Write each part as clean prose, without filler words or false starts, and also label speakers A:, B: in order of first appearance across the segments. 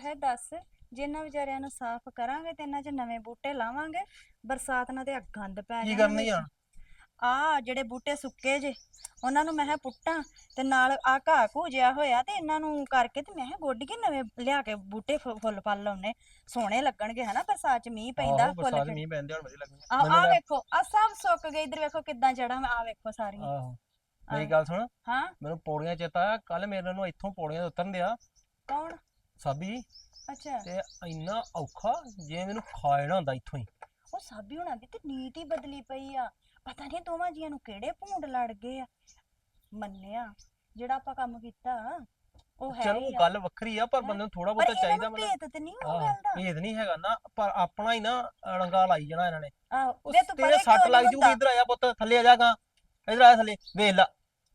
A: ਵੈਸੇ ਦੱਸ ਜੇ ਇਹਨਾਂ ਵਿਚਾਰਿਆਂ ਨੂੰ ਸਾਫ਼ ਕਰਾਂਗੇ ਤੇ ਇਹਨਾਂ 'ਚ ਨਵੇਂ ਬੂਟੇ ਲਾਵਾਂਗੇ। ਬਰਸਾਤ ਨਾਲ ਤੇ ਆ ਗੰਦ ਪੈ
B: ਕੀ
A: ਜਾਣਾ
B: ਕਰਨੀ ਆ?
A: ਵਿੱਚ। ਆ ਜਿਹੜੇ ਬੂਟੇ ਸੁੱਕੇ ਜੇ ਉਹਨਾਂ ਨੂੰ ਮੈਂ ਕਿਹਾ ਪੁੱਟਾਂ ਤੇ ਨਾਲ ਆ ਘਾਹ ਘੂ ਜਿਹਾ ਹੋਇਆ ਤੇ ਇਹਨਾਂ ਨੂੰ ਕਰਕੇ ਤੇ ਮੈਂ ਕਿਹਾ ਗੋਡੀ ਕੇ ਨਵੇਂ ਲਿਆ ਕੇ ਬੂਟੇ ਫੁੱਲ ਫਲ ਲਾਉਣੇ ਸੋਹਣੇ ਲੱਗਣਗੇ ਹਨਾ। ਬਰਸਾਤ 'ਚ ਮੀਂਹ ਪੈਂਦਾ
B: ਆਹੋ
A: ਫੁੱਲ
B: ਬਰਸਾਤ
A: ਖਿੜ।
B: ਮੀਂਹ ਪੈਂਦੇ ਹੁਣ ਵਧੀਆ ਲੱਗਣੀ
A: ਆ
B: ਮੈਨੂੰ
A: ਆ
B: ਲੈ।
A: ਵੇਖੋ ਆ ਸਭ ਸੁੱਕ ਗਏ। ਇੱਧਰ ਵੇਖੋ ਕਿੱਦਾਂ ਜੜਾਂ ਆ ਵੇਖੋ ਸਾਰੀਆਂ।
B: ਆਹੋ
A: ਆ
B: ਮੇਰੀ ਗੱਲ ਸੁਣ।
A: ਹਾਂ
B: ਮੈਨੂੰ ਪੌੜੀਆਂ ਚੇਤਾ ਆਇਆ ਕੱਲ ਮੇਰੇ ਨੂੰ ਇੱਥੋਂ ਪੌੜੀਆਂ ਤੋਂ ਉਤਰਨ ਦਿਆ
A: ਕੌਣ?
B: ਸਾਬੀ।
A: ਅੱਛਾ
B: ਤੇ ਇੰਨਾ ਔਖਾ ਜੇ ਮੈਨੂੰ ਖਾ ਜਾਣਾ ਹੁੰਦਾ ਇੱਥੋਂ ਹੀ।
A: ਉਹ ਸਾਬੀ ਹੋਣਾ ਦੀ ਤੇ ਨੀਤ ਹੀ ਬਦਲੀ ਪਈ ਆ। ਪਤਾ ਨਹੀਂ ਦੋਵਾਂ ਜੀਆਂ ਨੂੰ ਕਿਹੜੇ ਭੂੰਡ ਲੜ ਗਏ ਆ। ਮੰਨਿਆ ਜਿਹੜਾ ਆਪਾਂ ਕੰਮ ਕੀਤਾ ਉਹ ਹੈ
B: ਚਲੋ
A: ਹੀ ਆ।
B: ਗੱਲ ਵੱਖਰੀ ਆ ਪਰ
A: ਹੈਂ?
B: ਬੰਦੇ ਨੂੰ ਥੋੜਾ
A: ਪਰ
B: ਬਹੁਤਾ
A: ਇਹਨਾਂ
B: ਚਾਹੀਦਾ
A: ਨੂੰ
B: ਮਤਲਬ।
A: ਭੇਤ ਤੇ ਨਹੀਂ ਉਹ
B: ਆਹ
A: ਗੱਲ ਦਾ।
B: ਭੇਦ ਨਹੀਂ ਹੈਗਾ ਨਾ ਪਰ ਆਪਣਾ ਹੀ ਨਾ ਰੰਗਾ ਲਾਈ ਜਾਣਾ ਇਹਨਾਂ ਨੇ।
A: ਆਹੋ
B: ਉਹ
A: ਵੇ ਤੂੰ
B: ਤੇਰੇ
A: ਪਰੇ
B: ਸੱਟ
A: ਕਿਉਂ
B: ਲੱਗ
A: ਨਹੀਂ
B: ਜੂਗੀ।
A: ਹੁੰਦਾ?
B: ਇੱਧਰ ਆਇਆ ਪੁੱਤ ਥੱਲੇ ਆ ਜਾਗਾ। ਇੱਧਰ ਆਇਆ ਥੱਲੇ ਵੇਖ ਲਾ।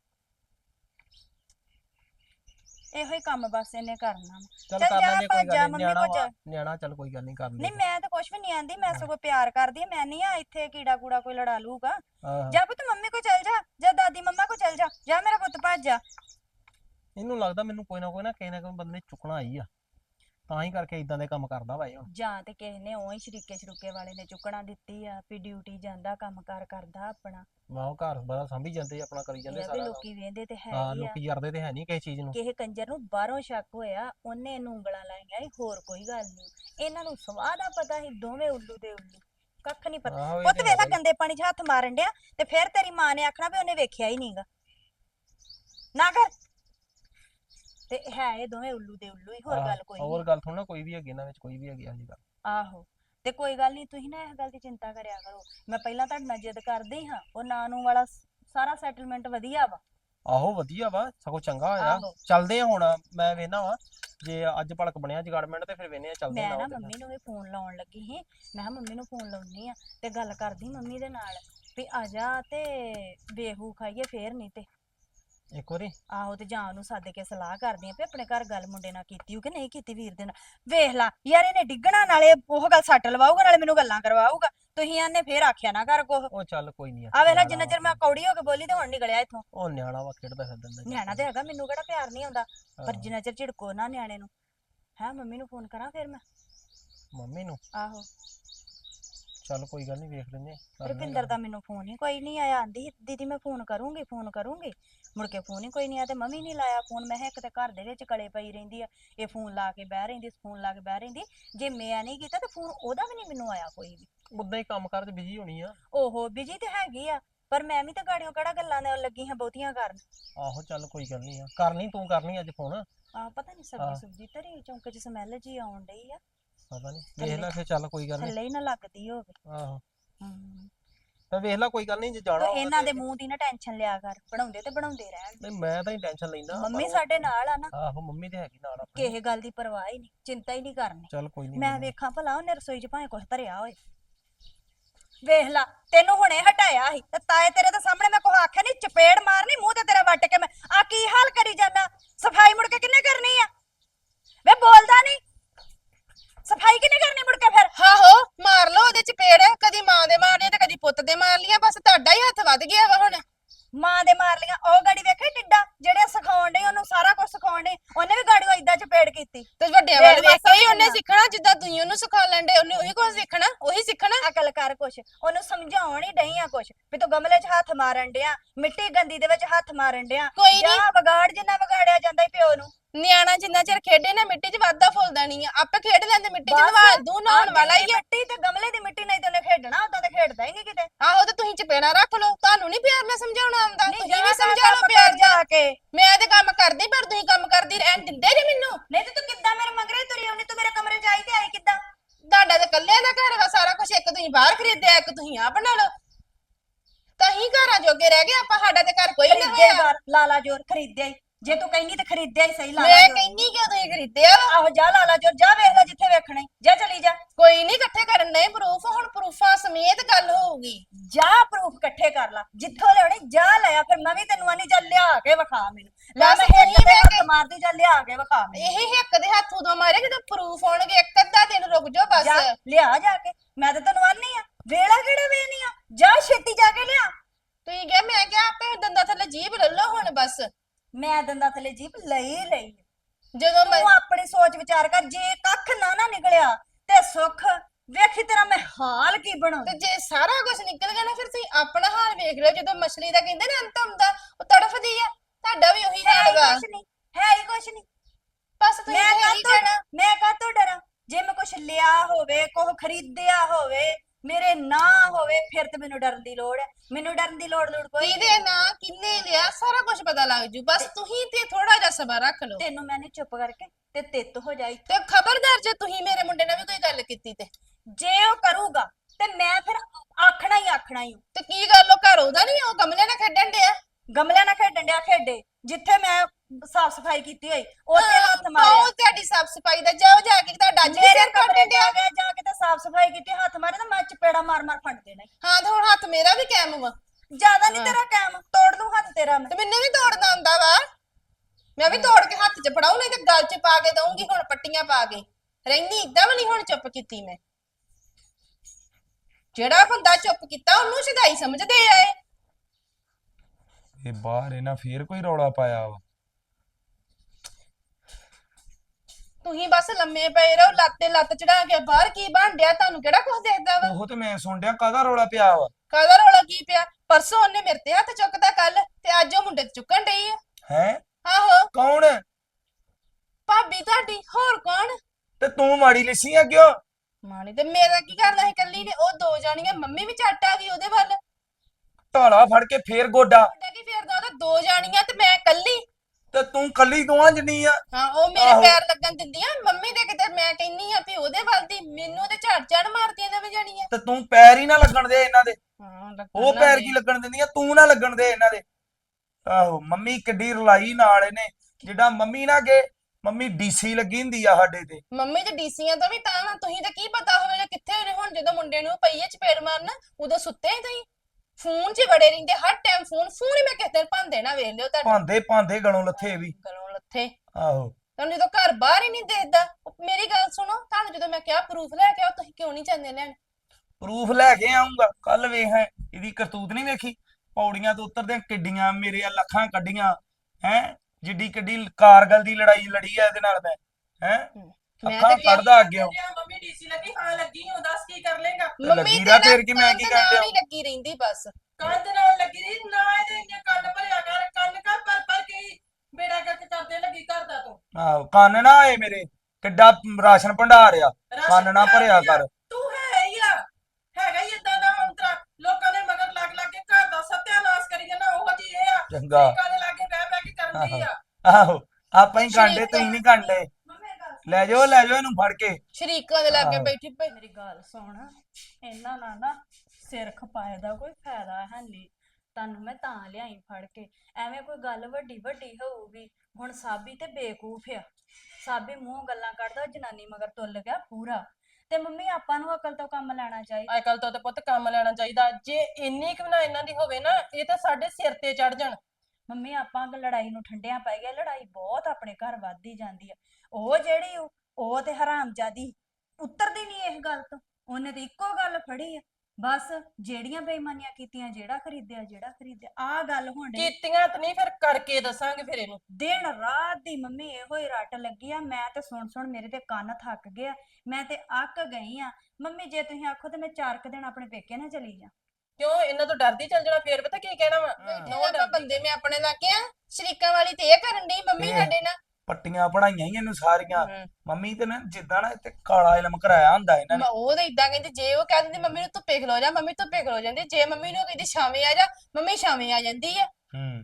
A: ਇਹੋ ਹੀ ਕੰਮ ਬਸ ਇਹਨੇ ਕਰਨਾ ਵਾ।
B: ਚੱਲ
A: ਚੱਲ
B: ਕਰ
A: ਜਾ
B: ਲੈਂਦੇ ਕੋਈ
A: ਭੱਜ
B: ਗੱਲ
A: ਜਾ
B: ਨਹੀਂ।
A: ਮੰਮੀ
B: ਨਿਆਣਾ
A: ਕੋ
B: ਵਾ
A: ਜਾ।
B: ਨਿਆਣਾ ਚੱਲ ਕੋਈ ਗੱਲ ਨਹੀਂ ਕਰ
A: ਨਹੀਂ
B: ਲੈ।
A: ਮੈਂ ਤਾਂ ਕੁਛ ਵੀ ਨਹੀਂ ਆਂਦੀ। ਮੈਂ ਸਗੋਂ ਪਿਆਰ ਕਰਦੀ ਆ। ਮੈਂ ਨਹੀਂ ਆ ਇੱਥੇ ਕੀੜਾ ਕੂੜਾ ਕੋਈ ਲੜਾ ਲੂਗਾ।
B: ਆਹ
A: ਜਾ ਪੁੱਤ ਮੰਮੀ ਕੋ ਚੱਲ ਜਾ ਜਾਂ ਦਾਦੀ ਮੰਮਾ ਕੋ ਚੱਲ ਜਾ। ਜਾ ਮੇਰਾ ਪੁੱਤ ਭੱਜ ਜਾ।
B: ਇਹਨੂੰ ਲੱਗਦਾ ਮੈਨੂੰ ਕੋਈ ਨਾ ਕੋਈ ਕਿਸੇ ਬੰਦੇ ਨੇ ਚੁੱਕਣਾ ਆਈ ਆ ਤਾਂ ਹੀ ਕਰਕੇ ਇਦਾਂ ਦੇ ਕੰਮ ਕਰਦਾ ਵਾ ਇਹ ਹੁਣ।
A: ਜਾਂ ਤੇ ਕਿਸੇ ਨੇ ਉਹੀ ਸ਼ਰੀਕੇ ਸ਼ਰੂਕੇ ਵਾਲੇ ਨੇ ਚੁੱਕਣਾ ਦਿੱਤੀ ਆ ਵੀ ਡਿਊਟੀ ਜਾਂਦਾ ਕੰਮ ਕਾਰ ਕਰਦਾ ਆਪਣਾ।
B: ਵਾਹ ਘਰ ਬੜਾ ਸਾਂਭੀ ਜਾਂਦੇ ਆਪਣਾ ਕਰੀ ਜਾਂਦੇ
A: ਇਹ ਆ ਵੀ
B: ਸਾਰਾ ਕੰਮ।
A: ਲੋਕੀ ਵੇਂਦੇ ਤੇ ਹੈ
B: ਹਾਂ
A: ਹੀ ਆ।
B: ਲੋਕੀ ਜਰਦੇ ਤੇ ਹੈ ਨਹੀਂ ਕਿਸੇ ਚੀਜ਼ ਨੂੰ।
A: ਕਿਸੇ ਕੰਜਰ ਨੂੰ ਬਾਹਰੋਂ ਸ਼ੱਕ ਹੋਇਆ ਉਹਨੇ ਇਹਨੂੰ ਉਂਗਲਾਂ ਲਾਈਆਂ ਸੀ, ਹੋਰ ਕੋਈ ਗੱਲ ਨਹੀਂ। ਇਹਨਾਂ ਨੂੰ ਸਵਾਹ ਦਾ ਪਤਾ ਸੀ ਦੋਵੇਂ ਉੱਲੂ ਦੇ ਉੱਲੂ। ਕੱਖ ਨਹੀਂ ਪਤਾ।
B: ਆਹੋ ਇਹ
A: ਪੁੱਤ
B: ਤੇ
A: ਵੇਖਾ
B: ਹੈਗਾ ਹੀ।
A: ਗੰਦੇ ਪਾਣੀ 'ਚ ਹੱਥ ਮਾਰਨ ਡਿਆ ਤੇ ਫਿਰ ਤੇਰੀ ਮਾਂ ਨੇ ਆਖਣਾ ਵੀ ਉਹਨੇ ਵੇਖਿਆ ਹੀ ਨਹੀਂਗਾ। ਨਾ ਕਰ। ਤੇ ਹੈ ਇਹ ਦੋਵੇਂ ਉੱਲੂ ਦੇ ਉੱਲੂ ਹੀ, ਹੋਰ ਗੱਲ ਕੋਈ
B: ਹੋਰ
A: ਨਹੀਂ।
B: ਗੱਲ ਥੋੜਾ ਕੋਈ ਵੀ ਹੈਗੀ ਇਹਨਾਂ ਵਿੱਚ ਕੋਈ ਵੀ ਹੈਗੀ ਹਾਜੀ ਗੱਲ।
A: ਆਹੋ ਤੇ ਕੋਈ ਗੱਲ ਨਹੀਂ ਤੁਸੀਂ ਨਾ ਇਸ ਗੱਲ ਦੀ ਚਿੰਤਾ ਕਰਿਆ ਕਰੋ। ਮੈਂ ਪਹਿਲਾਂ ਤੁਹਾਡੇ ਨਾਲ ਜਿੱਦ ਕਰਦੀ ਹਾਂ ਉਹ ਨਾਨੂ ਵਾਲਾ ਸਾਰਾ ਸੈਟਲਮੈਂਟ ਵਧੀਆ ਵਾ।
B: ਆਹੋ ਵਧੀਆ ਵਾ ਸਗੋਂ ਚੰਗਾ ਹੋਇਆ।
A: ਆਹੋ
B: ਚੱਲਦੇ ਆ ਹੁਣ। ਮੈਂ ਵੇਖਣਾ ਵਾ ਜੇ ਅੱਜ ਭਲਕ ਬਣਿਆ ਜਗਾੜਮੈਂਟ ਤੇ ਫਿਰ ਵੇਖਨੇ ਆ ਚੱਲਦੇ
A: ਮੈਂ
B: ਨਾ
A: ਨਾ
B: ਉਹਦੇ
A: ਮੰਮੀ ਨੂੰ ਵੀ ਫੋਨ ਲਾਉਣ ਲੱਗੀ ਸੀ। ਮੈਂ ਕਿਹਾ ਮੰਮੀ ਨੂੰ ਫੋਨ ਲਾਉਣੀ ਆ ਤੇ ਗੱਲ ਕਰਦੀ ਮੰਮੀ ਦੇ ਨਾਲ ਵੀ ਆ ਜਾ ਤੇ ਵੇਖੂ ਖਾਈਏ ਫੇਰ ਨਹੀਂ ਤੇ।
B: ਇੱਕ ਵਾਰੀ।
A: ਆਹੋ ਤੇ ਜਾਂ ਉਹਨੂੰ ਸੱਦ ਕੇ ਸਲਾਹ ਕਰਦੀ ਆ ਵੀ ਆਪਣੇ ਘਰ ਗੱਲ ਮੁੰਡੇ ਨਾਲ ਕੀਤੀ ਹੋ ਕਿ ਨਹੀਂ ਕੀਤੀ ਵੀਰ ਦੇ ਨਾਲ। ਵੇਖ ਲਾ ਯਾਰ ਇਹਨੇ ਡਿੱਗਣਾ ਨਾਲੇ ਉਹ ਗੱਲ ਸੱਟ ਲਵਾਊਗਾ ਨਾਲੇ ਮੈਨੂੰ ਗੱਲਾਂ ਕਰਵਾਊਗਾ। ਤੁਸੀਂ ਆਨੇ ਫੇਰ ਆਖਿਆ ਨਾ ਕਰ ਕੁਛ।
B: ਉਹ ਚੱਲ ਕੋਈ ਨਹੀਂ
A: ਆ ਵੇਖ ਲਾ ਜਿੰਨਾ ਚਿਰ ਮੈਂ ਕੌੜੀ ਹੋ ਕੇ ਬੋਲੀ ਤੇ ਹੁਣ ਨਿਕਲਿਆ ਇੱਥੋਂ।
B: ਉਹ ਨਿਆਣਾ ਵਾ ਖੇਡਦਾ ਫਿਰਦਾ ਹੁੰਦਾ।
A: ਨਿਆਣਾ ਤੇ ਹੈਗਾ ਮੈਨੂੰ ਕਿਹੜਾ ਪਿਆਰ ਨਹੀਂ ਆਉਂਦਾ ਪਰ ਜਿੰਨਾ ਚਿਰ ਝਿੜਕੋ ਨਾ ਨਿਆਣੇ ਨੂੰ। ਹੈ ਮੰਮੀ ਨੂੰ ਫੋਨ ਕਰਾਂ ਫਿਰ ਮੈਂ।
B: ਮੰਮੀ ਨੂੰ।
A: ਆਹੋ
B: ਚੱਲ ਕੋਈ ਗੱਲ ਨਹੀਂ ਵੇਖ ਲੈਂਦੇ
A: ਰੁਪਿੰਦਰ ਦਾ ਮੈਨੂੰ ਫੋਨ ਹੀ ਕੋਈ ਨਹੀਂ ਆਇਆ। ਆਂਦੀ ਦੀਦੀ ਮੈਂ ਫੋਨ ਕਰੂੰਗੀ ਮੁੜ ਕੇ ਫੋਨ ਹੀ ਕੋਈ ਨਹੀਂ ਆਇਆ ਤੇ ਮੰਮੀ ਨਹੀਂ ਲਾਇਆ ਫੋਨ। ਮੈਂ ਕਿਹਾ ਇੱਕ ਤੇ ਘਰ ਦੇ ਵਿੱਚ ਕਲੇ ਪਈ ਰਹਿੰਦੀ ਆ ਇਹ ਫੋਨ ਲਾ ਕੇ ਬਹਿ ਰਹਿੰਦੀ ਫੋਨ ਲਾ ਕੇ ਬਹਿ ਰਹਿੰਦੀ। ਜੇ ਮੈਂ ਨਹੀਂ ਕੀਤਾ ਤੇ ਫੋਨ ਉਹਦਾ ਵੀ ਨਹੀਂ ਮੈਨੂੰ ਆਇਆ ਕੋਈ ਵੀ।
B: ਉਦਾਂ ਹੀ ਕੰਮ ਕਰ ਤੇ ਬਿਜੀ ਹੋਣੀ ਆ।
A: ਓਹੋ ਬਿਜੀ ਤੇ ਹੈਗੀ ਆ ਪਰ ਮੈਂ ਵੀ ਤਾਂ ਗਾੜੀਆਂ ਕਿਹੜਾ ਗੱਲਾਂ ਨਾਲ ਲੱਗੀ ਹਾਂ ਬਹੁਤੀਆਂ ਕਰਨ।
B: ਆਹੋ ਚੱਲ ਕੋਈ ਗੱਲ ਨਹੀਂ ਆ ਕਰਨੀ ਤੂੰ ਕਰਨੀ ਅੱਜ ਫੋਨ।
A: ਆਹ ਪਤਾ ਨਹੀਂ ਸਬਜ਼ੀ ਸੁਬਜੀ ਧਰੀ ਚੌਂਕ 'ਚ ਸਮੈਲ ਜੀ ਆਉਣ ਡਈ ਆ।
B: ਪਤਾ ਨਹੀਂ ਵੇਖ ਲੈ ਫਿਰ ਚੱਲ ਕੋਈ ਗੱਲ ਨਹੀਂ।
A: ਥੱਲੇ ਹੀ ਨਾ ਲੱਗਦੀ ਹੋਵੇ।
B: ਆਹੋ
A: ਹੂੰ
B: ਤਾਂ ਵੇਖ ਲੈ ਕੋਈ ਗੱਲ ਨਹੀਂ ਜੇ ਜਾਣਾ
A: ਤੂੰ
B: ਹੋਊਗਾ
A: ਇਹਨਾਂ ਦੇ
B: ਤੇ।
A: ਮੂੰਹ ਦੀ ਨਾ ਟੈਨਸ਼ਨ ਲਿਆ ਕਰ। ਬਣਾਉਂਦੇ ਤੇ ਬਣਾਉਂਦੇ ਰਹਿਣ।
B: ਨਹੀਂ ਮੈਂ ਤਾਂ ਹੀ ਟੈਨਸ਼ਨ ਲੈਂਦਾ
A: ਮੰਮੀ ਸਾਡੇ ਨਾਲ ਆ ਨਾ।
B: ਆਹੋ ਮੰਮੀ ਤੇ ਹੈਗੀ ਨਾਲ ਆਪਣੇ।
A: ਕਿਸੇ ਗੱਲ ਦੀ ਪਰਵਾਹ ਹੀ ਨਹੀਂ ਚਿੰਤਾ ਹੀ ਨਹੀਂ ਕਰਨੀ।
B: ਚੱਲ ਕੋਈ ਨਹੀਂ।
A: ਮੈਂ ਵੇਖਾਂ ਭਲਾ ਉਹਨੇ ਰਸੋਈ 'ਚ ਭਾਵੇਂ ਕੁਛ ਧਰਿਆ ਹੋਏ। ਵੇਖ ਲਾ ਤੈਨੂੰ ਹੁਣੇ ਹਟਾਇਆ ਸੀ ਤੇ ਤਾਏ ਤੇਰੇ ਦੇ ਸਾਹਮਣੇ ਮੈਂ ਕੁਛ ਆਖਿਆ ਨਹੀਂ ਚਪੇੜ ਮਾਰਨੀ ਮੂੰਹ ਤੇ ਤੇਰਾ ਵੱਟ ਕੇ। ਮੈਂ ਆ ਕੀ ਹਾਲ ਕਰੀ ਜਾਂਦਾ। ਸਫਾਈ ਮੁੜ ਕੇ ਕਿੰਨੇ ਕਰਨੀ ਆ ਵੇ ਬੋਲਦਾ ਨਹੀਂ। ਸਫਾਈ ਕਿੰਨੇ ਕਰਨੀ ਮੁੜ ਕੇ ਫਿਰ।
C: ਆਹੋ ਮਾਰ ਲੋ ਉਹਦੇ ਚਪੇੜ। ਕਦੀ ਮਾਂ ਦੇ ਮਾਰਨੀਆਂ ਤੇ ਕਦੀ ਪੁੱਤ ਦੇ ਮਾਰ ਲੀਆਂ। ਬਸ ਤੁਹਾਡਾ ਹੀ ਹੱਥ ਵੱਧ ਗਿਆ ਵਾ ਹੁਣ।
A: ਮਾਂ ਦੇ ਮਾਰ ਲੀਆਂ ਉਹ ਗਾੜੀ ਵੇਖੇ ਟਿੱਡਾ ਜਿਹੜੇ ਸਿਖਾਉਣ ਡੇ ਉਹਨੂੰ ਸਾਰਾ ਕੁਝ ਸਿਖਾਉਣ ਡੇ ਉਹਨੇ ਵੀ ਗਾੜੀ ਏਦਾਂ ਚਪੇੜ ਕੀਤੀ।
C: ਤੇ ਵੱਡਿਆਂ ਵੱਲ
A: ਵੇਖ
C: ਵੇਖ ਕੇ ਹੀ ਉਹਨੇ
A: ਕਿੰਨਾ।
C: ਸਿੱਖਣਾ ਜਿੱਦਾਂ ਤੁਸੀਂ ਉਹਨੂੰ ਸਿਖਾ ਲੈਂਦੇ ਉਹਨੇ ਉਹੀ ਕੁਝ ਸਿੱਖਣਾ ਉਹੀ ਸਿੱਖਣਾ।
A: ਅਕਲ ਕਰ ਕੁਛ ਉਹਨੂੰ ਸਮਝਾਉਣ ਹੀ ਡਈ ਆ ਕੁਛ ਵੀ ਤੂੰ ਗਮਲੇ 'ਚ ਹੱਥ ਮਾਰਨ ਡਿਆ ਮਿੱਟੀ ਗੰਦੀ ਦੇ ਵਿੱਚ ਹੱਥ ਮਾਰਨ ਡਿਆ।
C: ਕੋਈ ਨੀ।
A: ਜਾ ਵਿਗਾੜ ਜਿੰਨਾ ਵਿਗਾੜਿਆ ਜਾਂਦਾ ਈ ਪਿਓ ਨੂੰ।
C: ਨਿਆਣਾ ਜਿੰਨਾ ਚਿਰ ਖੇਡੇ ਨਾ ਮਿੱਟੀ 'ਚ ਵਾਧਾ ਫੁੱਲਦਾ ਨਹੀਂ ਆ। ਆਪੇ ਖੇਡ ਲੈਂਦੇ ਮਿੱਟੀ 'ਚ
A: ਬਸ,
C: ਨਵਾ ਦੂ ਨਹਾਉਣ ਵਾਲਾ ਹੀ ਆ।
A: ਮਿੱਟੀ ਤੇ ਗਮਲੇ ਦੀ ਮਿੱਟੀ ਨਹੀਂ ਤੇ ਉਹਨੇ ਖੇਡਣਾ ਉਦਾਂ ਤੇ ਖੇਡਦਾ ਹੀ ਨਹੀਂ ਕਿਤੇ।
C: ਆਹੋ ਤੇ ਤੁਸੀਂ ਚਪੇੜਾ ਰੱਖ ਲਓ। ਤੁਹਾਨੂੰ ਨਹੀਂ ਪਿਆਰ ਨਾਲ ਸਮਝਾਉਣਾ ਆਉਂਦਾ।
A: ਨਹੀਂ
C: ਤੁਸੀਂ
A: ਜਾ
C: ਵੀ ਸਮਝਾ ਲਓ
A: ਕੰਮ
C: ਪਿਆਰ
A: ਕਰ ਜਾ ਕੇ।
C: ਮੈਂ ਤੇ ਕੰਮ ਕਰਦੀ ਪਰ ਤੁਸੀਂ ਕੰਮ ਕਰਦੀ ਰਹਿਣ ਦਿੰਦੇ ਜੇ ਮੈਨੂੰ।
A: ਨਹੀਂ ਤੇ ਤੂੰ ਕਿੱਦਾਂ ਮੇਰੇ ਮਗਰੇ ਤੁਰੀ ਆਉਣੀ। ਤੂੰ ਮੇਰੇ ਕਮਰੇ 'ਚ ਆਈ ਤੇ ਆਈ ਕਿੱਦਾਂ।
C: ਤੁਹਾਡਾ ਤੇ ਕੱਲਿਆਂ ਦਾ ਘਰ ਵਾ ਸਾਰਾ ਕੁਝ। ਇੱਕ ਤੁਸੀਂ ਬਾਹਰ ਖਰੀਦਿਆ ਇੱਕ ਤੁਸੀਂ ਆ ਬਣਾ ਲਓ। ਤਾਂ ਹੀ ਘਰਾਂ ਜੋਗੇ ਰਹਿ ਗਏ ਆਪਾਂ। ਸਾਡਾ ਤੇ ਘਰ ਕੋਈ ਨਹੀਂ
A: ਖਰੀਦਿਆ
C: ਹੋਇਆ।
A: ਬਾਹਰ ਲਾਲਾ ਜੋਰ ਖਰੀਦਿਆ ਹੀ। ਜੇ ਤੂੰ ਕਹਿੰਦੀ ਤੇ ਖਰੀਦਿਆ ਹੀ ਸਹੀ ਲਾਲਾ
C: ਮੈਂ
A: ਜੋਰ।
C: ਕਹਿੰਨੀ ਕਿ ਤੁਸੀਂ ਖਰੀਦਿਆ ਵਾ।
A: ਆਹੋ ਜਾ ਲਾਲਾ ਜੋਰ ਜਾ ਵੇਖ ਲੈ ਜਿੱਥੇ ਵੇਖਣਾ ਈ। ਜਾ ਚਲੀ ਜਾ।
C: ਕੋਈ ਨਹੀਂ ਇਕੱਠੇ ਕਰਨ ਨਹੀਂ ਪ੍ਰੂਫ। ਹੁਣ ਪ੍ਰੂਫਾਂ ਸਮੇਤ ਗੱਲ ਹੋਊਗੀ।
A: ਜਾ ਪ੍ਰੂਫ ਇਕੱਠੇ ਕਰ ਲਾ ਜਿੱਥੋਂ ਲਿਆਉਣੀ ਜਾ ਲਿਆ। ਫਿਰ ਮੈਂ ਵੀ ਤੈਨੂੰ ਆਨੀ ਜਾ ਲਿਆ ਕੇ ਵਿਖਾ ਮੈਨੂੰ। ਲੈ
C: ਬਸ
A: ਮੈਂ
C: ਇਹੀ
A: ਹਿੱਕ ਤੇ
C: ਮੈਂ
A: ਹੱਥ ਮਾਰਦੀ ਜਾ ਲਿਆ ਕੇ ਵਿਖਾ ਮੈਨੂੰ।
C: ਇਹੀ ਹਿੱਕ ਦੇ ਹੱਥ ਉਦੋਂ ਮਾਰੇ ਜਦੋਂ ਪ੍ਰੂਫ ਆਉਣਗੇ। ਇੱਕ ਅੱਧਾ ਦਿਨ ਰੁਕ ਜਾਓ ਬਸ।
A: ਜਾ ਲਿਆ ਜਾ ਕੇ। ਮੈਂ ਤਾਂ ਤੈਨੂੰ ਆਨੀ ਆ ਵੇਲਾ ਕਿਹੜੇ ਵੇ ਨਹੀਂ ਆ। ਜਾ ਛੇਤੀ ਜਾ ਕੇ ਲਿਆ।
C: ਤੁਸੀਂ ਕਿਹਾ ਮੈਂ ਕਿਹਾ ਆਪੇ ਦੰਦਾਂ ਥੱਲੇ ਜੀਭ ਲੈ ਲਓ ਹੁਣ ਬਸ।
A: ਮੈਂ ਦੰਦਾਂ ਥੱਲੇ ਜੀਭ ਲਈ
C: ਜਦੋਂ ਮੈਂ
A: ਤੂੰ ਆਪਣੀ ਸੋਚ ਵਿਚਾਰ ਕਰ, ਜੇ ਕੱਖ ਨਾ ਨਿਕਲਿਆ ਤੇ ਸੁੱਖ ਵੇਖੀ ਤੇਰਾ ਮੈਂ ਹਾਲ ਕੀ ਬਣਾਉਂ।
C: ਤੇ ਜੇ ਸਾਰਾ ਕੁਝ ਨਿਕਲ ਗਿਆ ਨਾ ਫਿਰ ਤੁਸੀਂ ਆਪਣਾ ਹਾਲ ਵੇਖ ਲਿਓ। ਜਦੋਂ ਮਛਲੀ ਦਾ ਕਹਿੰਦੇ ਨਾ ਅੰਤ ਹੁੰਦਾ, ਉਹ ਤੜਫਦੀ ਆ, ਤੁਹਾਡਾ ਵੀ ਉਹੀ
A: ਹੈ
C: ਹਾਲ
A: ਹੀ
C: ਵਾ।
A: ਕੁਛ ਨਹੀਂ, ਹੈ ਹੀ ਕੁਛ ਨਹੀਂ।
C: ਬਸ ਤੁਸੀਂ
A: ਮੈਂ
C: ਇਹੀ ਕਹਿਣਾ।
A: ਕਾਹਤੋਂ ਡਰਾਂ? ਜੇ ਮੈਂ ਕੁਛ ਲਿਆ ਹੋਵੇ, ਕੁਛ ਖਰੀਦਿਆ ਹੋਵੇ, ਮੇਰੇ ਨਾ ਹੋਵੇ, ਫਿਰ ਤੇ ਮੈਨੂੰ ਡਰਨ ਦੀ ਲੋੜ ਹੈ। ਮੈਨੂੰ ਡਰਨ ਦੀ ਲੋੜ ਕੋਈ ਨਹੀਂ।
C: ਕਿਹਦੇ ਨਾਂ ਕਿੰਨੇ ਲਿਆ ਸਾਰਾ ਕੁਝ ਪਤਾ ਲੱਗ ਜੂ। ਬਸ ਤੁਸੀਂ ਤੇ ਥੋੜਾ ਜਿਹਾ ਸਬਰ ਰੱਖ ਲਓ।
A: ਤੈਨੂੰ ਮੈਂ ਨਹੀਂ ਚੁੱਪ ਕਰਕੇ ਤੇ ਤਿੱਤ ਹੋ ਜਾਈ।
C: ਤੇ ਖਬਰਦਾਰ ਜੇ ਤੁਸੀਂ ਮੇਰੇ ਮੁੰਡੇ ਨਾਲ ਵੀ ਕੋਈ ਗੱਲ ਕੀਤੀ ਤੇ
A: ਜੇ ਉਹ ਕਰੂਗਾ ਤੇ ਮੈਂ ਫਿਰ ਆਖਣਾ ਹੀ
C: ਤੇ ਕੀ ਗੱਲ ਉਹ ਘਰ ਉਹਦਾ ਨਹੀਂ, ਉਹ ਗਮਲੇ ਨਾਲ ਖੇਡਣ ਡਿਆ।
A: ਗਮਲਿਆਂ ਨਾਲ ਖੇਡਣ ਡਿਆ, ਖੇਡੇ ਜਿੱਥੇ ਮੈਂ ਸਾਫ ਸਫਾਈ ਕੀਤੀ ਹੋਈ ਉੱਥੇ ਹੱਥ
C: ਉਹ
A: ਮਾਰਿਆ।
C: ਤੁਹਾਡੀ ਸਾਫ ਸਫਾਈ ਦਾ ਜਾਓ ਜਾ ਕੇ ਤੁਹਾਡਾ ਅੱਜ ਵੀ
A: ਮੇਰੇ
C: ਸਿਰ
A: ਕਮਰੇ
C: ਕੱਢਣ ਡਿਆ।
A: ਜਾ ਕੇ ਤੇ ਸਾਫ ਸਫਾਈ ਕੀਤੀ, ਹੱਥ ਮਾਰੇ ਤਾਂ ਮੈਂ ਚਪੇੜਾ ਮਾਰ ਮਾਰ ਫੜ ਦੇਣਾ ਈ।
C: ਹਾਂ ਤੇ ਹੁਣ ਹੱਥ ਮੇਰਾ ਵੀ ਕਾਇਮ ਵਾ।
A: ਜ਼ਿਆਦਾ ਨਹੀਂ ਤੇਰਾ ਕੰਮ, ਤੋੜ ਦੂੰ ਹੱਥ ਤੇਰਾ ਮੈਂ।
C: ਤੇ ਮੈਨੂੰ ਵੀ ਤੋੜਨਾ ਆਉਂਦਾ ਵਾ। ਮੈਂ ਵੀ ਤੋੜ ਕੇ ਹੱਥ 'ਚ ਫੜਾਉ, ਨਹੀਂ ਤੇ ਗਲ 'ਚ ਪਾ ਕੇ ਦਊਂਗੀ ਹੁਣ ਪੱਟੀਆਂ ਪਾ ਕੇ। ਰਹਿੰਦੀ ਇਦਾਂ ਵੀ ਨਹੀਂ ਹੁਣ ਚੁੱਪ ਕੀਤੀ ਮੈਂ। ਜਿਹੜਾ ਬੰਦਾ ਚੁੱਪ ਕੀਤਾ ਉਹਨੂੰ ਸ਼ਦਾਈ ਸਮਝਦੇ ਆਏ।
D: ਇਹ ਬਾਹਰ ਇਹਨਾਂ ਫੇਰ ਕੋਈ ਰੌਲਾ ਪਾਇਆ ਵਾ।
C: ਤੁਸੀਂ ਬਸ ਲੰਮੇ ਪਏ ਰਹੋ, ਲੱਤ ਤੇ ਲੱਤ ਚੜਾ ਕੇ। ਬਾਹਰ ਕੀ ਬਣ ਡਿਆ ਤੁਹਾਨੂੰ ਕਿਹੜਾ ਕੁਝ ਦੇਖਦਾ ਵਾ?
D: ਉਹ ਤੇ ਮੈਂ ਸੁਣ ਡਿਆ ਕਾਹਦਾ ਰੌਲਾ ਪਿਆ ਵਾ।
C: ਕਾਹਦਾ ਰੌਲਾ ਕੀ ਪਿਆ? ਪਰਸੋਂ ਉਹਨੇ ਮੇਰੇ ਤੇ ਹੱਥ ਚੁੱਕਦਾ, ਕੱਲ ਤੇ ਅੱਜ ਉਹ ਮੁੰਡੇ ਤੇ ਚੁੱਕਣ ਡਈ ਆ।
D: ਹੈ
C: ਆਹੋ
D: ਕੌਣ?
C: ਭਾਬੀ ਤੁਹਾਡੀ, ਹੋਰ ਕੌਣ?
D: ਤੇ ਤੂੰ ਮਾੜੀ ਲਿਸੀ ਆ ਕਿਉਂ?
C: ਮਾਣੀ ਤੇ ਮੇਰਾ ਕੀ ਕਰਨਾ ਸੀ ਕੱਲੀ ਨੇ? ਉਹ ਦੋ ਜਾਣੀਆਂ, ਮੰਮੀ ਵੀ ਝੱਟ ਆ ਗਈ ਉਹਦੇ ਵੱਲ।
D: ਢਾਲਾ ਫੜ ਕੇ ਫੇਰ ਗੋਡਾ।
C: ਮੁੰਡਾ ਕੀ ਫੇਰਦਾ? ਉਹਦਾ ਦੋ ਜਾਣੀਆਂ ਤੇ ਮੈਂ ਕੱਲੀ।
D: ਤੇ ਤੂੰ ਕੱਲੀ ਦੋਵਾਂ ਜਣੀ ਆ।
C: ਹਾਂ ਉਹ ਮੇਰੇ
D: ਆਹੋ।
C: ਪੈਰ ਲੱਗਣ ਦਿੰਦੀਆਂ ਮੰਮੀ ਦੇ, ਕਿਤੇ ਮੈਂ ਕਹਿੰਨੀ ਆ ਵੀ ਉਹਦੇ ਵੱਲ ਦੀ। ਮੈਨੂੰ ਤੇ ਝੜ ਝੜ ਮਾਰਦੀਆਂ ਦੋਵੇਂ ਜਾਣੀਆਂ।
D: ਤੇ ਤੂੰ ਪੈਰ ਹੀ ਨਾ ਲੱਗਣ ਦੇ ਇਹਨਾਂ ਦੇ।
C: ਹਾਂ
D: ਉਹ ਪੈਰ ਕੀ ਲੱਗਣ ਦਿੰਦੀਆਂ, ਤੂੰ ਨਾ ਲੱਗਣ ਦੇ ਇਹਨਾਂ ਦੇ। ਆਹੋ ਮੰਮੀ ਕਿੱਡੀ ਰਲਾਈ ਨਾਲ ਇਹਨੇ। ਜਿੱਦਾਂ ਮੰਮੀ ਨਾ ਗਏ, ਮੰਮੀ ਡੀਸੀ ਲੱਗੀ ਹੁੰਦੀ ਆ ਸਾਡੇ ਤੇ।
C: ਮੰਮੀ ਤੇ ਡੀਸੀਆਂ ਤੋਂ ਵੀ ਤਾਂ ਵਾ। ਤੁਸੀਂ ਤਾਂ ਕੀ ਪਤਾ ਹੋਵੇ ਨਾ ਕਿੱਥੇ ਹੋਣੇ। ਹੁਣ ਜਦੋਂ ਮੁੰਡੇ ਨੂੰ ਪਈਏ ਚਪੇੜ ਮਾਰਨ, ਉਦੋਂ ਸੁੱਤੇ ਹੀ ਤੁਸੀਂ ਫੋਨ 'ਚ ਬੜੇ ਰਹਿੰਦੇ ਹਰ ਟਾਈਮ। ਫੋਨ ਹੀ ਮੈਂ ਕਿਸੇ ਦਿਨ ਭਾਂਦੇ ਨਾ ਵੇਖ ਲਿਓ ਤੁਹਾਡੇ
D: ਭਾਂਦੇ ਭਾਂਦੇ ਗਲੋਂ ਲੱਥੇ ਵੀ।
C: ਗਲੋਂ ਲੱਥੇ।
D: ਆਹੋ
C: ਤੁਹਾਨੂੰ ਜਦੋਂ ਘਰ ਬਾਹਰ ਹੀ ਨਹੀਂ ਦੇਖਦਾ। ਮੇਰੀ ਗੱਲ ਸੁਣੋ, ਤੁਹਾਨੂੰ ਜਦੋਂ ਮੈਂ ਕਿਹਾ ਪ੍ਰੂਫ ਲੈ ਕੇ ਆਓ, ਤੁਸੀਂ ਕਿਉਂ ਨਹੀਂ ਜਾਂਦੇ ਲੈਣ?
D: ਪ੍ਰੂਫ ਲੈ ਕੇ ਆਉਂਗਾ ਕੱਲ। ਵੇਖ ਇਹਦੀ ਕਰਤੂਤ ਨਹੀਂ ਵੇਖੀ। ਪੌੜੀਆਂ ਤੋਂ ਉਤਰਦੇ ਕਿੱਡੀਆਂ ਮੇਰੇ ਲੱਖਾਂ ਕੱਢੀਆਂ। ਹੈ ਜਿੱਡੀ ਕਿੱਡੀ ਕਾਰਗਲ ਦੀ ਲੜਾਈ ਲੜੀ ਆ ਇਹਦੇ ਨਾਲ ਮੈਂ। ਹੈ
C: ਮੈਂ
D: ਅੱਖਾਂ
C: ਤੇ ਕਿਹਾ
D: ਕੱਢਦਾ ਅੱਗੇ।
E: ਮੰਮੀ ਡੀਸੀ ਲੱਗੀ, ਹਾਂ ਲੱਗੀ ਹੋ, ਦੱਸ ਕੀ ਕਰ ਲੇਗਾ?
C: ਮੰਮੀ
D: ਲੱਗੀ ਦਾ
C: ਤੇ
D: ਫੇਰ ਕੀ, ਮੈਂ ਕੀ
C: ਕੰਧ
D: ਕਰਨ
C: ਨਾਲ
D: ਡਿਆ?
C: ਹੀ ਲੱਗੀ ਰਹਿੰਦੀ ਬਸ।
E: ਕੰਧ ਨਾਲ ਲੱਗੀ ਰਹੀ ਨਾ, ਇਹਦੇ ਇੰਨੇ ਕੰਨ ਭਰਿਆ ਕਰ, ਕੰਨ ਕਰ ਪਰ ਕੀ ਬੇੜਾ ਕਰਕੇ ਕਰਦੇ ਲੱਗੀ ਘਰ ਦਾ ਤੂੰ।
D: ਆਹੋ ਕੰਨ ਨਾ ਆਏ ਮੇਰੇ। ਕਿੱਡਾ ਰਾਸ਼ਨ ਭੰਡਾਰ ਆ, ਕੰਨ ਨਾ ਭਰਿਆ ਕਰ।
E: ਤੂੰ ਹੈ ਹੀ ਆ, ਹੈਗਾ ਹੀ ਏਦਾਂ ਦਾ ਮੰਤਰਾ। ਲੋਕਾਂ ਦੇ ਮਗਰ ਲੱਗ ਲੱਗ ਕੇ ਘਰ ਦਾ ਸਤਿਆਨਾਸ਼ ਕਰੀ ਜਾਂਦਾ। ਉਹ ਜੀ ਇਹ ਆ
D: ਚੰਗਾ।
E: ਲੋਕਾਂ ਦੇ ਲਾਗੇ ਬਹਿ ਕੇ ਕਰਨ ਦੀ ਆ।
D: ਆਹੋ ਆਪਾਂ ਹੀ ਕਾਂਡੇ, ਤੁਸੀਂ ਨਹੀਂ ਕਾਂਡੇ। ਲੈ ਜਾਓ ਇਹਨੂੰ ਫੜ ਕੇ।
C: ਸ਼ਰੀਕਾਂ ਦੇ ਲਾਗੇ
D: ਆਹੋ।
C: ਬੈਠੀ ਪਈ।
A: ਮੇਰੀ ਗੱਲ ਸੁਣ, ਇਹਨਾਂ ਨਾਲ ਨਾ ਸਿਰ ਖਪਾਏ ਦਾ ਕੋਈ ਫਾਇਦਾ ਹੈ ਨਹੀਂ। ਤੁਹਾਨੂੰ ਮੈਂ ਤਾਂ ਲਿਆਈ ਫੜ ਕੇ, ਐਵੇਂ ਕੋਈ ਗੱਲ ਵੱਡੀ ਹੋਊਗੀ। ਹੁਣ ਸਾਬੀ ਤੇ ਬੇਕੂਫ ਆ। ਸਾਬੀ ਮੂੰਹ ਗੱਲਾਂ ਕੱਢਦਾ, ਜਨਾਨੀ ਮਗਰ ਤੁੱਲ ਗਿਆ ਪੂਰਾ। ਤੇ ਮੰਮੀ ਆਪਾਂ ਨੂੰ ਅਕਲ ਤੋਂ ਕੰਮ ਲੈਣਾ ਚਾਹੀਦਾ।
E: ਅੱਜ ਕੱਲ ਤੋਂ ਤੇ ਪੁੱਤ ਕੰਮ ਲੈਣਾ ਚਾਹੀਦਾ। ਜੇ ਇੰਨੀ ਕੁ ਨਾ ਇਹਨਾਂ ਦੀ ਹੋਵੇ ਨਾ, ਇਹ ਤਾਂ ਸਾਡੇ ਸਿਰ ਤੇ ਚੜ ਜਾਣ।
A: ਮੰਮੀ ਆਪਾਂ ਲੜਾਈ ਨੂੰ ਠੰਡਿਆਂ ਪੈ ਗਿਆ। ਲੜਾਈ ਬਹੁਤ ਆਪਣੇ ਘਰ ਵੱਧਦੀ ਜਾਂਦੀ ਆ। ਉਹ ਜਿਹੜੀ ਉਹ ਤੇ ਹਰਾਮਜ਼ਾਦੀ ਉਤਰਦੀ ਨਹੀਂ ਇਸ ਗੱਲ ਤੋਂ। ਉਹਨੇ ਤੇ ਇੱਕੋ ਗੱਲ ਫੜੀ ਆ, ਬਸ ਜਿਹੜੀਆਂ ਬੇਈਮਾਨੀਆਂ ਕੀਤੀਆਂ, ਜਿਹੜਾ ਖਰੀਦਿਆ ਆਹ ਗੱਲ ਹੁਣ
E: ਕੀਤੀਆਂ ਤੇ ਨਹੀਂ, ਫਿਰ ਕਰਕੇ ਦੱਸਾਂਗੇ ਫਿਰ ਇਹਨੂੰ।
A: ਦਿਨ ਰਾਤ ਦੀ ਮੰਮੀ ਇਹੋ ਹੀ ਰੱਟ ਲੱਗੀ ਆ। ਮੈਂ ਤੇ ਸੁਣ ਮੇਰੇ ਤੇ ਕੰਨ ਥੱਕ ਗਿਆ। ਮੈਂ ਤੇ ਅੱਕ ਗਈ ਆ। ਮੰਮੀ ਜੇ ਤੁਸੀਂ ਆਖੋ ਤੇ ਮੈਂ 4 ਕੁ ਦਿਨ ਆਪਣੇ ਪੇਕੇ ਨਾ ਚਲੀ ਜਾ।
E: ਕਿਉਂ ਇਹਨਾਂ ਤੋਂ ਡਰਦੀ ਚੱਲ ਜਾਣਾ? ਫੇਰ ਪਤਾ ਕੀ ਕਹਿਣਾ ਵਾ?
C: ਆਪਾਂ ਬੰਦੇ ਮੈਂ ਆਪਣੇ ਲਾਗੇ ਆ। ਸ਼ਰੀਕਾਂ ਵਾਲੀ ਤੇ ਇਹ ਕਰਨ ਡਈ ਮੰਮੀ ਸਾਡੇ ਨਾਲ।
D: ਪੱਟੀਆਂ ਪੜਾਈਆਂ ਹੀ ਇਹਨੂੰ ਸਾਰੀਆਂ। ਮੰਮੀ ਤੇ ਨਾ ਜਿੱਦਾਂ ਨਾ ਇੱਥੇ ਕਾਲਾ ਇਲਮ ਕਰਾਇਆ ਹੁੰਦਾ ਇਹਨਾਂ ਨੇ।
C: ਉਹ ਤਾਂ ਇਦਾਂ ਕਹਿੰਦੀ, ਜੇ ਉਹ ਕਹਿ ਦਿੰਦੀ ਮੰਮੀ ਨੂੰ ਧੁੱਪੇ ਖਲੋ ਜਾ, ਮੰਮੀ ਧੁੱਪੇ ਖਲੋ ਜਾਂਦੀ। ਜੇ ਮੰਮੀ ਨੂੰ ਕਹਿੰਦੀ ਛਾਵੇਂ ਆ ਜਾ, ਮੰਮੀ ਛਾਵੇਂ ਆ ਜਾਂਦੀ ਆ।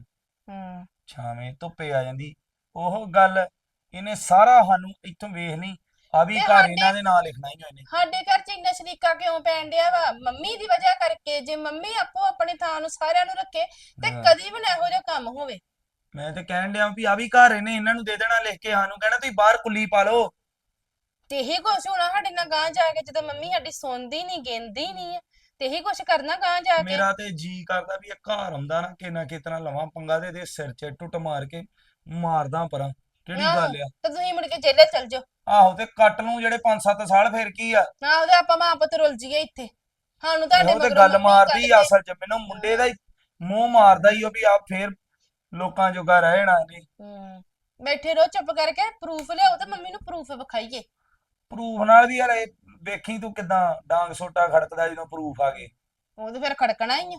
D: ਛਾਵੇਂ ਧੁੱਪੇ ਆ ਜਾਂਦੀ। ਉਹ ਗੱਲ ਇਹਨੇ ਸਾਰਾ ਸਾਨੂੰ ਇੱਥੋਂ ਵੇਖ ਲਈ। ਆ ਵੀ ਘਰ ਇਹਨਾਂ ਦੇ ਨਾਂ ਲਿਖਣਾ ਹੀ ਇਹਨੇ।
C: ਸਾਡੇ ਘਰ 'ਚ ਇੰਨਾ ਸ਼ਰੀਕਾ ਕਿਉਂ ਪੈਣ ਡਿਆ ਵਾ? ਮੰਮੀ ਦੀ ਵਜ੍ਹਾ ਕਰਕੇ। ਜੇ ਮੰਮੀ ਆਪੋ ਆਪਣੀ ਥਾਂ ਨੂੰ ਸਾਰਿਆਂ ਨੂੰ ਰੱਖੇ ਤੇ ਕਦੀ ਵੀ ਨਾ ਇਹੋ ਜਿਹਾ ਕੰਮ ਹੋਵੇ।
D: ਮੈਂ ਤੇ ਕਹਿਣ ਡਿਆ ਵੀ ਆ ਵੀ ਘਰ ਇਹਨੇ ਇਹਨਾਂ ਨੂੰ ਦੇ ਦੇਣਾ ਲਿਖ ਕੇ। ਸਾਨੂੰ ਕਹਿਣਾ ਤੁਸੀਂ ਬਾਹਰ ਕੁੱਲੀ ਪਾ ਲਓ।
C: ਤੇ ਇਹੀ ਕੁਛ ਹੋਣਾ ਸਾਡੇ ਨਾਲ ਗਾਂ ਜਾ ਕੇ, ਜਦੋਂ ਮੰਮੀ ਸਾਡੀ ਸੁਣਦੀ ਨਹੀਂ, ਗਿਣਦੀ ਨਹੀਂ ਹੈ, ਤੇ ਇਹੀ ਕੁਛ ਕਰਨਾ ਗਾਂ ਜਾ ਕੇ।
D: ਮੇਰਾ ਤੇ ਜੀ ਕਰਦਾ ਵੀ ਇਹ ਘਰ ਆਉਂਦਾ ਨਾ ਕਿ ਨਾ ਕਿਤਨਾ ਲਵਾਂ ਪੰਗਾ ਤੇ ਇਹਦੇ ਸਿਰ 'ਚ ਟੁੱਟ ਮਾਰ ਕੇ ਮਾਰਦਾ ਪਰਾਂ। ਕਿਹੜੀ ਗੱਲ ਆ?
C: ਤੇ ਤੁਸੀਂ ਮੁੜ ਕੇ ਜੇਲੇ ਚਲ ਜਾਓ।
D: ਆਹੋ ਤੇ ਕੱਟ ਨੂੰ ਜਿਹੜੇ 5-7 ਸਾਲ ਫਿਰ ਕੀ ਆ?
C: ਨਾ ਉਹਦੇ ਆਪਾਂ ਮਾਂ ਪੁੱਤ ਰੁੱਲ ਜੀਏ ਇੱਥੇ। ਸਾਨੂੰ ਤੁਹਾਡੇ
D: ਉਹ ਤੇ
C: ਮਗਰੋਂ
D: ਗੱਲ
C: ਮੰਮੀ
D: ਮਾਰਦੀ
C: ਕੱਢ
D: ਆ
C: ਦੇ।
D: ਅਸਲ 'ਚ। ਮੈਨੂੰ ਮੁੰਡੇ ਦਾ ਹੀ ਮੂੰਹ ਮਾਰਦਾ ਹੀ ਉਹ ਵੀ ਆ ਫੇਰ ਲੋਕਾਂ ਜੋਗਾ ਰਹਿਣਾ ਇਹਨੇ।
C: ਬੈਠੇ ਰਹੋ ਚੁੱਪ ਕਰਕੇ, ਪ੍ਰੂਫ ਲਿਆਓ ਤੇ ਮੰਮੀ ਨੂੰ ਪ੍ਰੂਫ ਵਿਖਾਈਏ।
D: ਪ੍ਰੂਫ ਨਾਲ ਵੀ ਯਾਰ ਇਹ ਵੇਖੀ ਤੂੰ ਕਿਦਾਂ ਡਾਂਗ ਸੋਟਾ ਖੜਕਦਾ ਜਦੋਂ ਪ੍ਰੂਫ ਆ ਗਏ।
C: ਉਹ ਤੇ ਫਿਰ ਖੜਕਣਾ ਹੀ ਆ।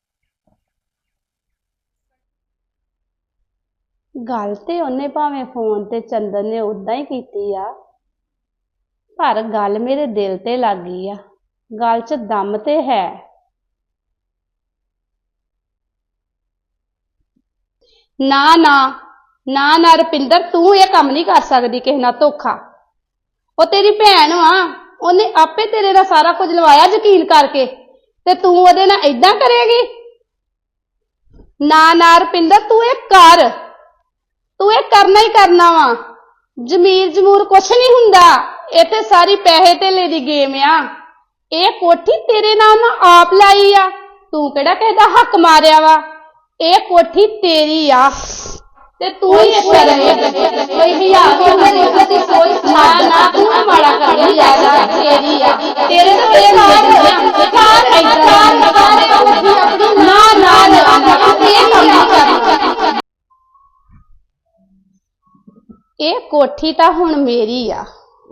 F: ਗੱਲ ਤੇ ਉਹਨੇ ਭਾਵੇਂ ਫੋਨ ਤੇ ਚੰਦਨ ਨੇ ਉਦਾਂ ਹੀ ਕੀਤੀ ਆ, ਪਰ ਗੱਲ ਮੇਰੇ ਦਿਲ ਤੇ ਲੱਗ ਗਈ ਆ। ਗੱਲ 'ਚ ਦਮ ਤੇ ਹੈ। ਨਾ ਨਾ ਨਾ ਨਾ ਰੁਪਿੰਦਰ, ਤੂੰ ਇਹ ਕੰਮ ਨਹੀਂ ਕਰ ਸਕਦੀ ਕਿਸੇ ਨਾਲ ਧੋਖਾ। ਉਹ ਤੇਰੀ ਭੈਣ ਵਾ, ਉਹਨੇ ਆਪੇ ਤੇਰੇ ਨਾਲ ਸਾਰਾ ਕੁਝ ਲਵਾਇਆ ਯਕੀਨ ਕਰਕੇ, ਤੇ ਤੂੰ ਉਹਦੇ ਨਾਲ ਏਦਾਂ ਕਰੇਗੀ? ਨਾ ਨਾ ਰੁਪਿੰਦਰ, ਤੂੰ ਇਹ ਕਰ, ਤੂੰ ਇਹ ਕਰਨਾ ਹੀ ਕਰਨਾ ਵਾ। ਜ਼ਮੀਰ ਜਮੂਰ ਕੁਛ ਨਹੀਂ ਹੁੰਦਾ, ਇਹ ਤੇ ਸਾਰੀ ਪੈਸੇ ਧੇਲੇ ਦੀ ਗੇਮ ਆ। ਇਹ ਕੋਠੀ ਤੇਰੇ ਨਾਲ ਨਾ ਆਪ ਲਾਈ ਆ, ਤੂੰ ਕਿਹੜਾ ਕਿਸੇ ਦਾ ਹੱਕ ਮਾਰਿਆ ਵਾ। ਇਹ ਕੋਠੀ ਤੇਰੀ ਆ ਤੇ ਤੂੰ ਹੀ ਇੱਥੇ ਰਹੇ। ਕੋਈ ਹਿਆਰ ਦੀ ਸੋਚ ਨਾ ਨਾ, ਤੂੰ ਮਾੜਾ ਕਰਦੀ ਆ, ਤੇਰੀ ਆ, ਤੇਰੇ ਤੋਂ ਇਹ ਨਾ ਨਾ ਨਾ, ਇਹ ਕੰਮ ਨਹੀਂ ਕਰਨਾ। ਇਹ ਕੋਠੀ ਤਾਂ ਹੁਣ ਮੇਰੀ ਆ,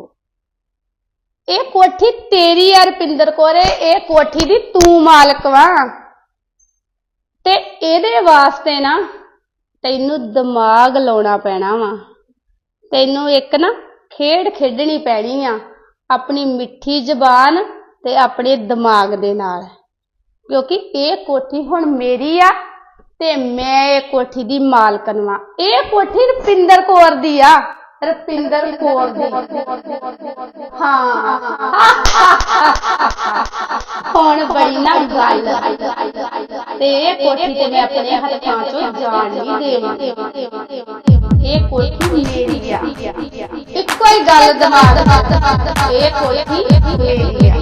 F: ਇਹ ਕੋਠੀ ਤੇਰੀ ਆ ਰੁਪਿੰਦਰ ਕੌਰ, ਇਹ ਕੋਠੀ ਦੀ ਤੂੰ ਮਾਲਕ ਵਾ। ਤੇ ਇਹਦੇ ਵਾਸਤੇ ਨਾ ਤੈਨੂੰ ਦਿਮਾਗ ਲਾਉਣਾ ਪੈਣਾ ਵਾ। ਤੈਨੂੰ ਇੱਕ ਨਾ ਖੇਡ ਖੇਡਣੀ ਪੈਣੀ ਆ ਆਪਣੀ ਮਿੱਠੀ ਜ਼ਬਾਨ ਤੇ ਆਪਣੇ ਦਿਮਾਗ ਦੇ ਨਾਲ, ਕਿਉਂਕਿ ਇਹ ਕੋਠੀ ਹੁਣ ਮੇਰੀ ਆ ਤੇ ਮੈਂ ਇਹ ਕੋਠੀ ਦੀ ਮਾਲਕਣ ਵਾਂ। ਇਹ ਕੋਠੀ ਰੁਪਿੰਦਰ ਕੌਰ ਦੀ ਆ, ਰੁਪਿੰਦਰ ਕੌਰ ਦੀ। ਹਾਂ ਹੁਣ ਬੜੀ ਨਾ ਗੱਲ, ਤੇ ਇਹ ਕੋਠੀ ਤੇ ਮੈਂ ਆਪਣੇ ਹੱਥਾਂ ਚੋਂ ਜਾਣ ਨਹੀਂ ਦੇਵਾਂਗੀ। ਇਹ ਕੋਠੀ ਮੇਰੀ ਆ, ਇੱਕੋ ਹੀ ਗੱਲ ਦਿਮਾਗ, ਇਹ ਕੋਠੀ ਮੇਰੀ ਆ।